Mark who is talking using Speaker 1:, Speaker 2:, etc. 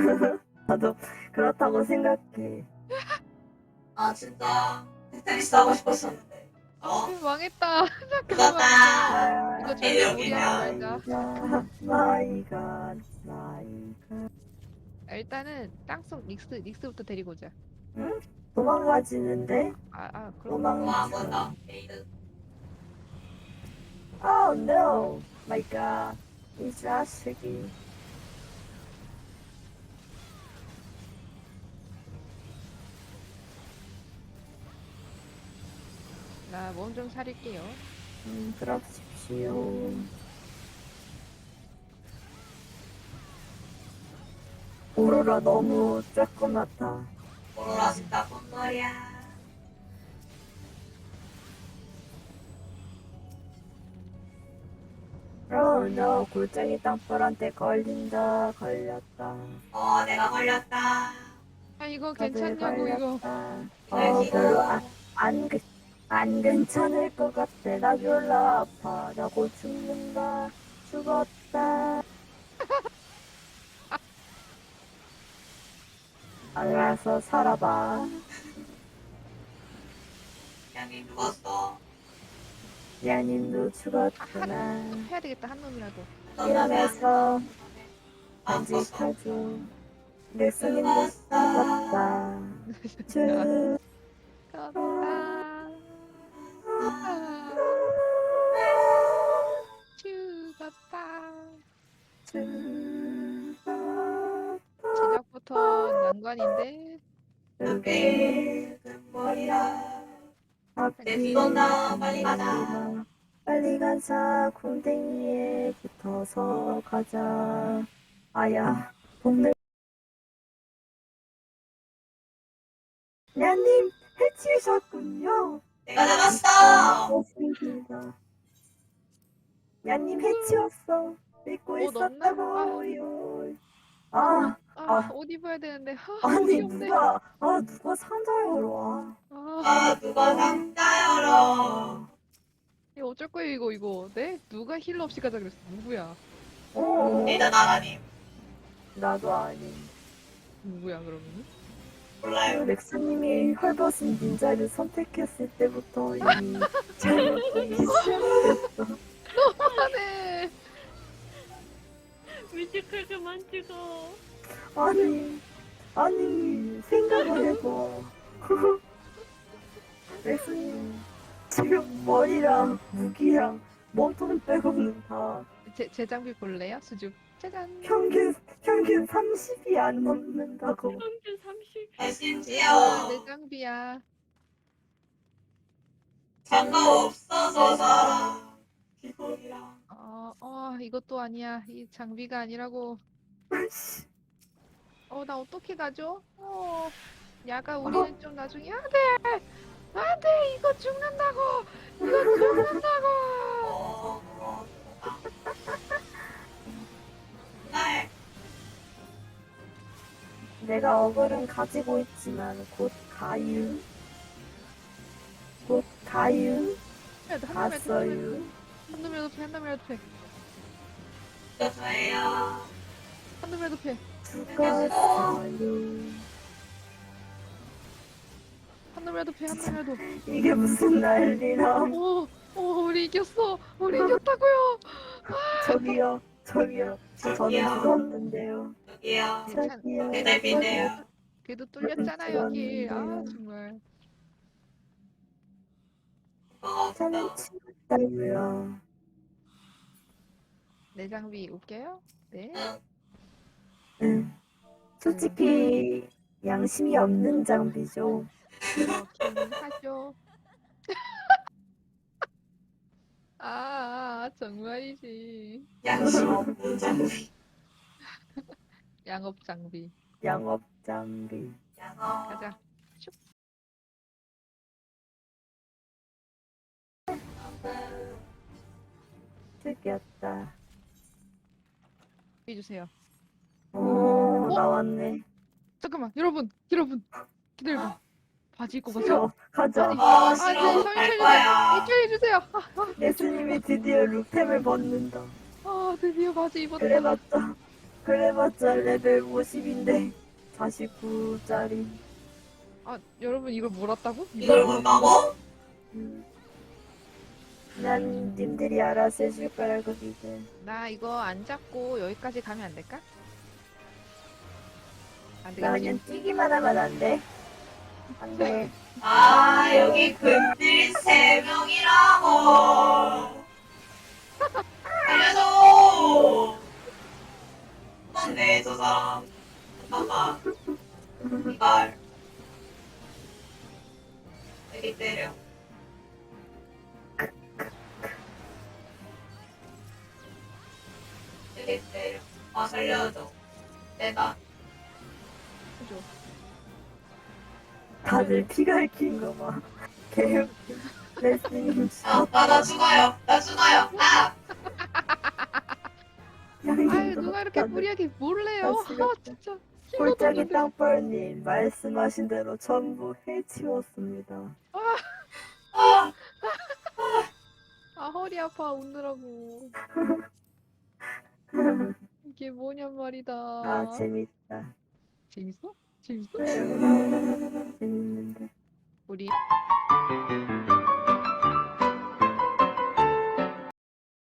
Speaker 1: 나도 그렇다고 생각해.
Speaker 2: 아 진짜 테트리스 하고 싶었었는데.
Speaker 3: 망했다. 잠깐만요.
Speaker 2: 늦었다.
Speaker 3: 이거 절대
Speaker 2: 여기는
Speaker 3: 무리하지 말자.
Speaker 1: 마이갓.
Speaker 3: 일단은 땅속 닉스부터 데리고 오자.
Speaker 1: 응? 도망가지는데?
Speaker 3: 그럼
Speaker 2: 도망간다. 에이드.
Speaker 1: Oh no! My God. 이 자식이.
Speaker 3: 나 몸 좀 사릴게요.
Speaker 1: 그러십시오. 오로라 너무 쬐끔하다.
Speaker 2: 오로라 진짜 뻔뻔이야.
Speaker 1: Oh no, 골짜기 땅벌한테 걸렸다.
Speaker 2: 내가 걸렸다.
Speaker 3: 이거
Speaker 1: 다들
Speaker 3: 괜찮냐고 이거.
Speaker 1: 걸렸다. 별로 안 괜찮을 것 같아. 나 졸라 아파. 나 곧 죽는다. 죽었다. 알아서 살아봐.
Speaker 2: 양이 죽었어.
Speaker 1: 야님도 죽었구나.
Speaker 3: 해야 되겠다 한 놈이라도.
Speaker 1: 이러면서
Speaker 2: 안 썼어.
Speaker 1: 간직하죠. 넥슨님도 죽었다. 죽.
Speaker 3: 죽었다. 죽었다. 시작부터 난관인데.
Speaker 2: 그게 머리라. 내 뒤돈다. 빨리 가자.
Speaker 1: 빨리 가자. 곰탱이에 붙어서 가자. 아야, 동네. 야님, 해치우셨군요.
Speaker 2: 내가 잡았어.
Speaker 1: 고맙습니다. 야님 해치웠어. 믿고
Speaker 3: 넘나?
Speaker 1: 있었다고요.
Speaker 3: 옷 입어야 되는데.
Speaker 1: 아니
Speaker 3: 옷이 없네.
Speaker 1: 누가 상자열어 와.
Speaker 2: 누가 상자 열어.
Speaker 3: 이거 어쩔 거예요 이거. 네? 누가 힐러 없이 가자 그랬어. 누구야?
Speaker 2: 에이드 나가님.
Speaker 1: 나도 아니.
Speaker 3: 누구야 그러면?
Speaker 2: 몰라요.
Speaker 1: 렉스님이 헐벗은 닌자를 선택했을 때부터 이미 잘못되기 시작했어.
Speaker 3: 너무하네.
Speaker 4: 뮤지컬 그만 찍어.
Speaker 1: 아니 생각을 해봐. 렉스님 지금 머리랑 무기랑 몸통 빼고는 다
Speaker 3: 제 장비 볼래요? 수줍. 짜잔.
Speaker 1: 평균 30이 안 넘는다고.
Speaker 4: 평균 30.
Speaker 2: 심지어
Speaker 3: 내 장비야.
Speaker 2: 장갑 없어서 살아. 기본이랑.
Speaker 3: 이것도 아니야. 이 장비가 아니라고. 나 어떻게 가죠? 야가 우리는 좀 나중에 안 돼, 이거 죽는다고.
Speaker 2: 날
Speaker 1: 내가 어글은 가지고 있지만 곧 가유. 갔어요.
Speaker 3: 한 놈이라도 패.
Speaker 2: 저예요.
Speaker 3: 한 놈이라도 패.
Speaker 1: 죽었어요.
Speaker 3: 한 놈이라도 패.
Speaker 1: 이게 무슨 난리람.
Speaker 3: 우리 이겼어. 우리 이겼다고요.
Speaker 1: 저기요. 저는 죽었는데요.
Speaker 2: 여기요.
Speaker 1: 저기요.
Speaker 2: 내 달빛이에요.
Speaker 3: 그래도 뚫렸잖아 여기. 정말.
Speaker 1: 저는 죽었다고요.
Speaker 3: 내 장비 올게요. 네.
Speaker 1: 솔직히 양심이 없는 장비죠.
Speaker 3: 그렇긴 하죠. 정말이지.
Speaker 2: 양심 없는 장비.
Speaker 3: 양업 장비.
Speaker 1: 양업 장비.
Speaker 2: 양어.
Speaker 3: 가자.
Speaker 1: 죽였다.
Speaker 3: 해주세요.
Speaker 1: 나왔네.
Speaker 3: 잠깐만, 여러분, 기다려봐. 바지 입고 가자.
Speaker 1: 싫어. 가자.
Speaker 2: 싫어. 갈 거야.
Speaker 3: 이쪽에 해주세요.
Speaker 1: 예수님이 드디어 루템을 벗는다.
Speaker 3: 드디어 바지 입었다.
Speaker 1: 그래봤자 그래봤자 레벨 50인데 49짜리.
Speaker 3: 아 여러분 이걸 몰았다고?
Speaker 2: 이걸 본다고?
Speaker 1: 난 님들이 알아서 해줄 거라고 믿어.
Speaker 3: 나 이거 안 잡고 여기까지 가면 안 될까? 안 되겠지?
Speaker 1: 나는 뛰기만 하면 안 돼. 안 돼.
Speaker 2: 아, 여기 근딜 3명이라고. 알려줘. 뭔데, 저 사람. 잠깐만. 이걸. 여기 때려. 여기 때려. 아, 살려줘. 내가.
Speaker 3: 그죠?
Speaker 1: 다들 피가 얽힌 거 봐. 개웃기. 레슨이
Speaker 2: 나 죽어요. 나 죽어요. 아!
Speaker 3: 아유 누가 이렇게 무리하게 몰래요? 아 진짜 힐러도
Speaker 1: 골짜기
Speaker 3: 없는데.
Speaker 1: 땅벌님 말씀하신 대로 전부 해치웠습니다.
Speaker 3: 아 허리 아파 웃느라고. 이게 뭐냔 말이다.
Speaker 1: 아 재밌다.
Speaker 3: 재밌어? 재밌어?
Speaker 1: 재밌는데.
Speaker 3: 우리